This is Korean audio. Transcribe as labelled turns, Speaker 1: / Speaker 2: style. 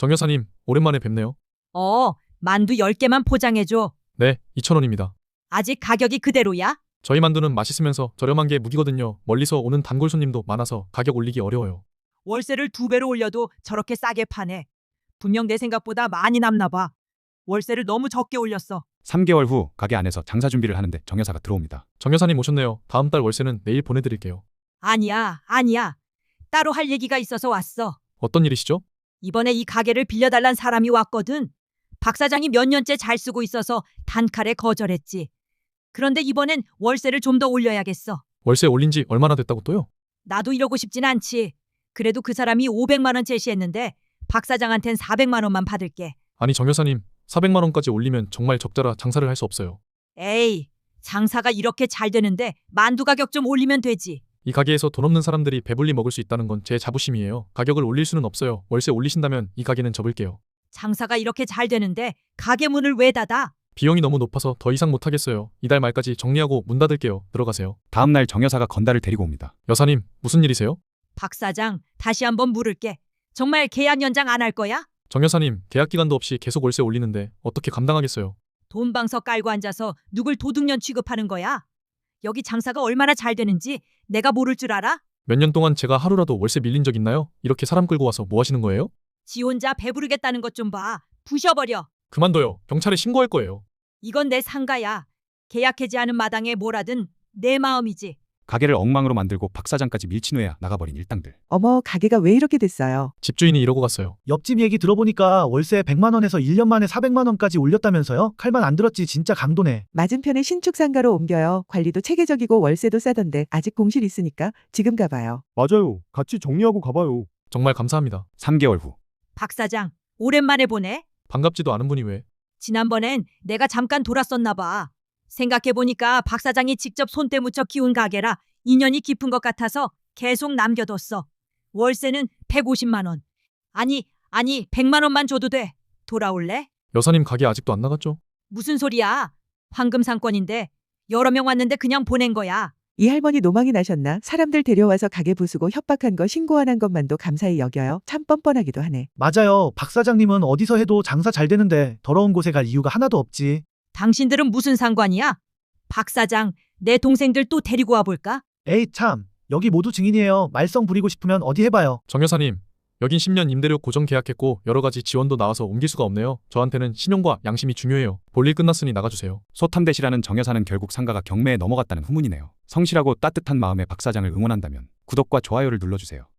Speaker 1: 정 여사님, 오랜만에 뵙네요.
Speaker 2: 만두 10개만 포장해줘.
Speaker 1: 네, 2,000원입니다.
Speaker 2: 아직 가격이 그대로야?
Speaker 1: 저희 만두는 맛있으면서 저렴한 게 무기거든요. 멀리서 오는 단골 손님도 많아서 가격 올리기 어려워요.
Speaker 2: 월세를 2배로 올려도 저렇게 싸게 파네. 분명 내 생각보다 많이 남나 봐. 월세를 너무 적게 올렸어.
Speaker 3: 3개월 후 가게 안에서 장사 준비를 하는데 정 여사가 들어옵니다.
Speaker 1: 정 여사님 오셨네요. 다음 달 월세는 내일 보내드릴게요.
Speaker 2: 아니야. 따로 할 얘기가 있어서 왔어.
Speaker 1: 어떤 일이시죠?
Speaker 2: 이번에 이 가게를 빌려달란 사람이 왔거든. 박 사장이 몇 년째 잘 쓰고 있어서 단칼에 거절했지. 그런데 이번엔 월세를 좀 더 올려야겠어.
Speaker 1: 월세 올린 지 얼마나 됐다고 또요?
Speaker 2: 나도 이러고 싶진 않지. 그래도 그 사람이 500만 원 제시했는데 박 사장한텐 400만 원만 받을게.
Speaker 1: 아니 정 여사님, 400만 원까지 올리면 정말 적자라 장사를 할 수 없어요.
Speaker 2: 에이, 장사가 이렇게 잘 되는데 만두 가격 좀 올리면 되지.
Speaker 1: 이 가게에서 돈 없는 사람들이 배불리 먹을 수 있다는 건 제 자부심이에요. 가격을 올릴 수는 없어요. 월세 올리신다면 이 가게는 접을게요.
Speaker 2: 장사가 이렇게 잘 되는데 가게 문을 왜 닫아?
Speaker 1: 비용이 너무 높아서 더 이상 못하겠어요. 이달 말까지 정리하고 문 닫을게요. 들어가세요.
Speaker 3: 다음 날 정 여사가 건달을 데리고 옵니다.
Speaker 1: 여사님, 무슨 일이세요?
Speaker 2: 박 사장, 다시 한번 물을게. 정말 계약 연장 안 할 거야?
Speaker 1: 정 여사님, 계약 기간도 없이 계속 월세 올리는데 어떻게 감당하겠어요?
Speaker 2: 돈방석 깔고 앉아서 누굴 도둑년 취급하는 거야? 여기 장사가 얼마나 잘 되는지 내가 모를 줄 알아?
Speaker 1: 몇 년 동안 제가 하루라도 월세 밀린 적 있나요? 이렇게 사람 끌고 와서 뭐 하시는 거예요?
Speaker 2: 지 혼자 배부르겠다는 것 좀 봐. 부셔버려.
Speaker 1: 그만둬요. 경찰에 신고할 거예요.
Speaker 2: 이건 내 상가야. 계약 해지하는 마당에 뭘 하든 내 마음이지.
Speaker 3: 가게를 엉망으로 만들고 박 사장까지 밀친후에야 나가버린 일당들.
Speaker 4: 어머, 가게가 왜 이렇게 됐어요?
Speaker 1: 집주인이 이러고 갔어요.
Speaker 5: 옆집 얘기 들어보니까 월세 100만 원에서 1년 만에 400만 원까지 올렸다면서요? 칼만 안 들었지 진짜 강도네.
Speaker 4: 맞은편에 신축 상가로 옮겨요. 관리도 체계적이고 월세도 싸던데 아직 공실 있으니까 지금 가봐요.
Speaker 6: 맞아요. 같이 정리하고 가봐요.
Speaker 1: 정말 감사합니다.
Speaker 3: 3개월 후
Speaker 2: 박 사장, 오랜만에 보네.
Speaker 1: 반갑지도 않은 분이 왜?
Speaker 2: 지난번엔 내가 잠깐 돌았었나 봐. 생각해보니까 박 사장이 직접 손때 묻혀 키운 가게라 인연이 깊은 것 같아서 계속 남겨뒀어. 월세는 150만 원. 아니 100만 원만 줘도 돼. 돌아올래?
Speaker 1: 여사님 가게 아직도 안 나갔죠?
Speaker 2: 무슨 소리야. 황금 상권인데 여러 명 왔는데 그냥 보낸 거야.
Speaker 4: 이 할머니 노망이 나셨나? 사람들 데려와서 가게 부수고 협박한 거 신고 안 한 것만도 감사히 여겨요. 참 뻔뻔하기도 하네.
Speaker 5: 맞아요. 박 사장님은 어디서 해도 장사 잘 되는데 더러운 곳에 갈 이유가 하나도 없지.
Speaker 2: 당신들은 무슨 상관이야? 박 사장, 내 동생들 또 데리고 와볼까?
Speaker 5: 에이 참. 여기 모두 증인이에요. 말썽 부리고 싶으면 어디 해봐요.
Speaker 1: 정 여사님, 여긴 10년 임대료 고정 계약했고 여러 가지 지원도 나와서 옮길 수가 없네요. 저한테는 신용과 양심이 중요해요. 볼일 끝났으니 나가주세요.
Speaker 3: 소탐대시라는 정 여사는 결국 상가가 경매에 넘어갔다는 후문이네요. 성실하고 따뜻한 마음의 박 사장을 응원한다면 구독과 좋아요를 눌러주세요.